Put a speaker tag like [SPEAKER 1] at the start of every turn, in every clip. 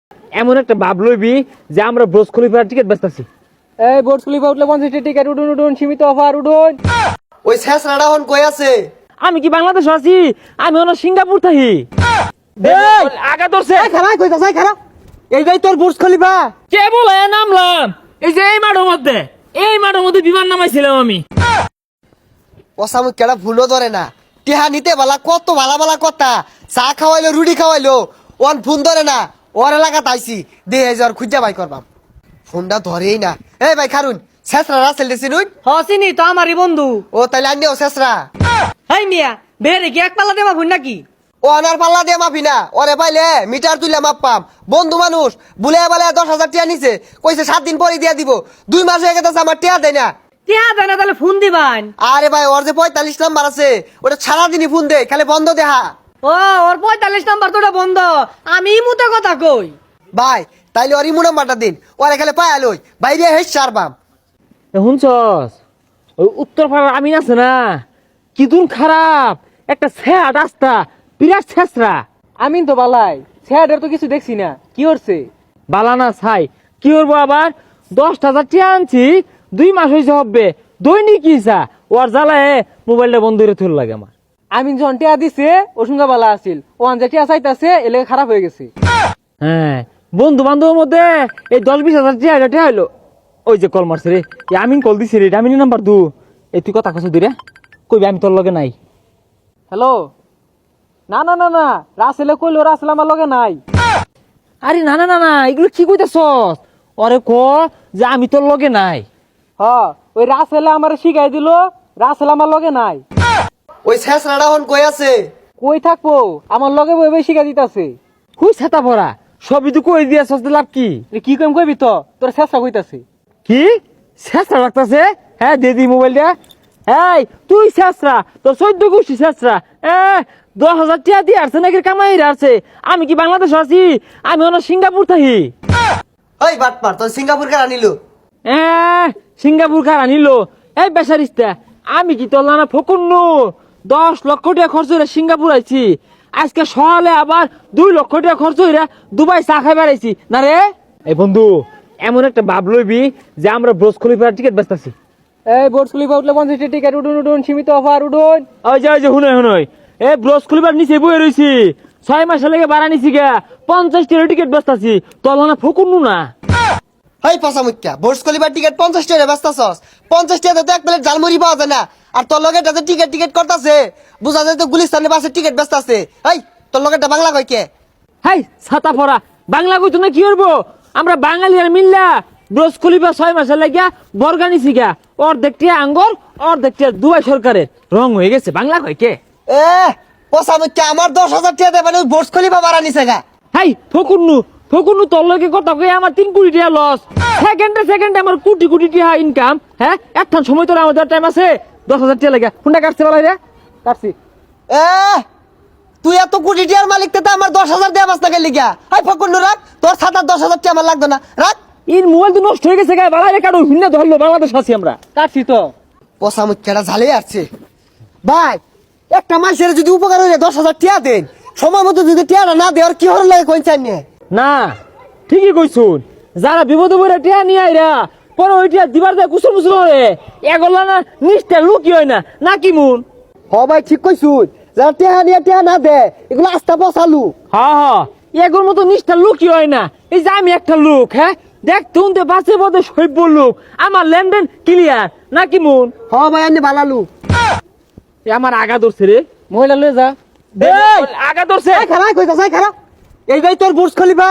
[SPEAKER 1] এমন একটা ভাব লইবি যে আমরা ব্রোজ খলিফার টিকিট বেচতাছি।
[SPEAKER 2] এই বোর্ড খলিফা উঠলে 50 টিকিট উঠুন উঠুন সীমিত অফার উঠুন।
[SPEAKER 3] ওই শেষরাটা হন কই আছে?
[SPEAKER 1] আমি কি বাংলাদেশ আছি? আমি হলো সিঙ্গাপুর থাকি। আগা ধরছে।
[SPEAKER 2] খারাপ কইতা যাই খারাপ। এইটাই তোর বুর্জ খলিফা।
[SPEAKER 1] কে বলে নামলাম? এই যে এই মাঠের মধ্যে, এই মাঠের মধ্যে বিমান নামাইছিলাম আমি।
[SPEAKER 3] ওসামু কেডা ভুলও ধরে না। টিহা নিতে বালা কত ভালা ভালা কথা। চা খাওয়াইলো রুটি খাওয়াইলো ওয়ান ফোন ধরে না। ওর এলাকাতে আইছি দে যার খুঁজা বাই করবাম। ফোনটা ধরেই না। এই ভাই খারুন শেষরা রাসেল দেছি নুন।
[SPEAKER 2] হসিনি তো আমারই বন্ধু।
[SPEAKER 3] ও তাইলে আনিও শেষরা।
[SPEAKER 2] হাই মিয়া বেরে কি এক পাল্লা দেবা ভুন নাকি?
[SPEAKER 3] ও আনার পাল্লা দিয়ে মাপি না। ওরে পাইলে মিটার তুলে মাপ পাম। বন্ধু মানুষ বুলে বালে 10,000 টিয়া নিছে। কইছে 7 দিন পরে দিয়া দিব। 2 মাস হয়ে গেছে আমার টিয়া দেয় না।
[SPEAKER 2] টিয়া দেনা তাহলে ফোন দিবান।
[SPEAKER 3] আরে ভাই ওর যে 45 নাম্বার আছে ওটা সারাদিনই ফোন দে খালি বন্ধ দেহা।
[SPEAKER 2] ও ওর 45 নাম্বার তোটা বন্ধ। আমি মুতে কথা কই।
[SPEAKER 3] ভাই তাইলে ওর ইমু নাম্বারটা দিন। ওরে খালি পায়া লই বাইরে হেস সারবাম।
[SPEAKER 1] শুনছস? ওই উত্তর পাড়ার আমিন আছে না, কি দুন খারাপ একটা ছেঁড়া রাস্তা, বিরাট ছেঁচড়া।
[SPEAKER 2] আমিন তো বালাই স্যারের তো কিছু দেখছি না কি করছে?
[SPEAKER 1] বালানা ছাই কি করবো আবার? 10,000 টিয়া আনছি, 2 মাস হয়েছে হবে। দৈনিক ইসা ওর জ্বালায় মোবাইলটা বন্ধ করে তুল লাগে আমার।
[SPEAKER 2] আমিন যখন টিয়া দিছে ওসুঙ্গা বালা আছিল ও আনজা টিয়া চাইতাছে এলে খারাপ হয়ে গেছে।
[SPEAKER 1] হ্যাঁ বন্ধু বান্ধবের মধ্যে এই 10-20,000 টিয়া হইলো। ওই যে কল মারছে রে, আমিন কল দিছে রে, আমিন নাম্বার 2। এই তুই কথা কইছ দিরে, কইবি আমি তোর লগে নাই।
[SPEAKER 2] হ্যালো না না না না রাসেলে কইলো রাসেল আমার লগে নাই।
[SPEAKER 1] আরে না না না না এগুলো কি কইতাছস? ওরে ক যে আমি তোর লগে নাই।
[SPEAKER 2] হ ওই রাসেলে আমার শিখাই দিল রাসেল আমার লগে নাই।
[SPEAKER 3] ওই শেষরাটা হন কই আছে?
[SPEAKER 2] কই থাকবো আমার লগে বই শিখাই দিতাছে।
[SPEAKER 1] হুই ছাতা পড়া সবই তো কই দিয়াছস, লাভ কি?
[SPEAKER 2] কি কইম কইবি তো তোর চেষ্টা কইতাছে।
[SPEAKER 1] কি শেষরা লাগতাছে? হ্যাঁ দে দি মোবাইলটা। এই তুই শেষরা, তোর 14 গোষ্ঠী শেষরা। 10,000 টিয়া দিয়ে আসছে নাকি কামাই আসছে? আমি কি বাংলাদেশ আছি? আমি হলো সিঙ্গাপুর থাকি।
[SPEAKER 3] ওই বাটপার তোর সিঙ্গাপুর কার আনিলো?
[SPEAKER 1] সিঙ্গাপুর কার আনিল? এই বেসারিস্তা আমি কি তোর না ফকুন্নু? 10 লক্ষ টাকা খরচ হইরা সিঙ্গাপুর আইছি, আজকে সকালে আবার 2 লক্ষ টাকা খরচ হইরা দুবাই চা খাই বেড়াইছি না রে। এই বন্ধু এমন একটা ভাব লইবি যে আমরা ব্রোজ খলিফার টিকিট বেচতাছি।
[SPEAKER 2] এই বোর্ড খলিফা উঠলে 50 টিকিট উঠুন উঠুন সীমিত অফার উঠুন।
[SPEAKER 1] ওই যে হুনই হুনই এই ব্রোজ খলিফার নিচে বয়ে রইছি, 6 মাস লেগে বাড়া নিছি গা, 50 টাকা টিকিট বেচতাছি। তোর না ফকুন্নু না।
[SPEAKER 3] হাই পাসামুক্কা বোর্ডস কলিবার টিকিট 50 টাকা বেচতাছস। 50 টাকা তো এক প্লেট ঝালমুড়ি পাওয়া যায় না। আর তোর লগেটা যে টিকিট করতাছে বুঝা যায় তো গুলিস্তানের বাসে টিকিট বেচতাছে। এই তোর লগেটা বাংলা কই কে?
[SPEAKER 1] হাই ছাতা পড়া বাংলা কইতো না কি করবো? আমরা বাঙালি আর মিল্লা ব্রোজ খলিফা 6 মাস লাগিয়া বর্গা নিছি গা, অর্ধেক টিয়া আঙ্গর অর্ধেক টিয়া দুবাই সরকারের রং হয়ে গেছে। বাংলা কই কে?
[SPEAKER 3] এ পাসামুক্কা আমার 10,000 টাকা দেবেন ওই বোর্ডস কলিবা বাড়া নিছে গা।
[SPEAKER 1] হাই ফকুন্নু তোর লগে কথা কই আমার 3 কোটি টাকা লস। সেকেন্ডে আমার কোটি কোটি টাকা ইনকাম। হ্যাঁ একখান সময় তোর আমাদের টাইম আছে। 10,000 টাকা লাগে কোনটা কাটছে বলাই রে?
[SPEAKER 2] কাটছি।
[SPEAKER 3] এ তুই এত কোটি টাকার মালিক তে আমার 10,000 দেয়া বাস না গেলি গা। হাই ফকুন্নু রাখ তোর ছাতা 10,000 টাকা আমার লাগবে না রাখ।
[SPEAKER 1] ইন মোবাইল তো নষ্ট হয়ে গেছে গা, বালাই রে কাটো ভিন্ন ধরলো। বাংলাদেশ আছি আমরা।
[SPEAKER 2] কাটছি তো।
[SPEAKER 3] পাসামুক্কাটা ঝালে আসছে ভাই। একটা মাসের যদি উপকার হইলে 10,000 টাকা দেন, সময় মতো যদি টাকা না দেয় আর কি হর লাগে কোন চাই নিয়ে?
[SPEAKER 1] না ঠিকই কইছুন, যারা বিপদে পড়ে টিয়া নিয়ে আইরা পরে ওই টিয়া দিবার যায় কুসুর মুসুর হয়ে এগোলা না নিষ্ঠা লুকি হয় না নাকি মুন?
[SPEAKER 3] হ ভাই ঠিক কইছুন, যারা টাকা নিয়ে টাকা না দেয় এগুলো আস্থা বসালু।
[SPEAKER 1] হ্যাঁ এগোর মতো নিষ্ঠা লুকি হয় না। এই যে আমি একটা লোক, হ্যাঁ দেখতে উনতে বাসে পথে সভ্য লোক, আমার লেনদেন ক্লিয়ার নাকি মুন?
[SPEAKER 3] হ ভাই আমি বালালু।
[SPEAKER 1] আমার আগা ধরছে রে,
[SPEAKER 2] মহিলা লয়ে যা।
[SPEAKER 1] আগা ধরছে।
[SPEAKER 3] খারাপ কইতা যাই খারাপ। এইটাই তোর বুর্জ খলিফা?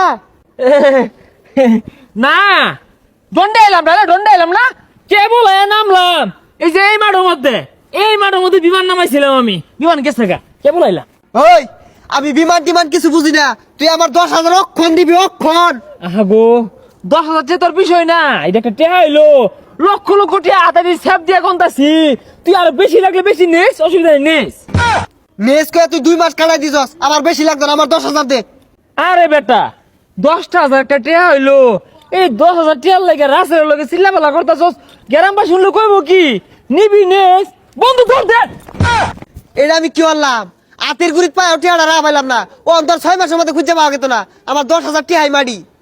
[SPEAKER 1] না দন্ডে এলাম না, কে বলে নামলাম? এই যে এই মাঠের মধ্যে বিমান নামাইছিলাম আমি। বিমান গেছে গা, কে বলাইলাম?
[SPEAKER 3] ওই আমি বিমান টিমান কিছু বুঝি না। তুই আমার 10,000 অক্ষণ দিবি অক্ষণ।
[SPEAKER 1] আহা গো 10,000 টাকা তোর বিষয় না, এটা একটা টেহা হইলো। লক্ষ লক্ষ টাকা হাতারি স্যাপ দিয়া গন্তাছি। তুই আর বেশি লাগলে বেশি নিস, অসুবিধা নিস।
[SPEAKER 3] মেস করে তুই 2 মাস কাটাই দিছস, আমার বেশি লাগবে না, আমার 10,000 দে।
[SPEAKER 1] আরে বেটা 10,000 একটা টেহা হইলো, এই 10,000 টিয়ার লাগে রাসের লগে চিল্লাপালা করতাছস। গ্রামবাসী শুনলে কইব কি? নিবি নেস বন্ধু ধর দে।
[SPEAKER 3] এটা আমি কি বললাম? আতের গুড়িত পায় টিহাটা রা পাইলাম না ও অন্তর 6 মাসের মধ্যে খুঁজে পাওয়া গেত না আমার 10,000 টিহাই মাডি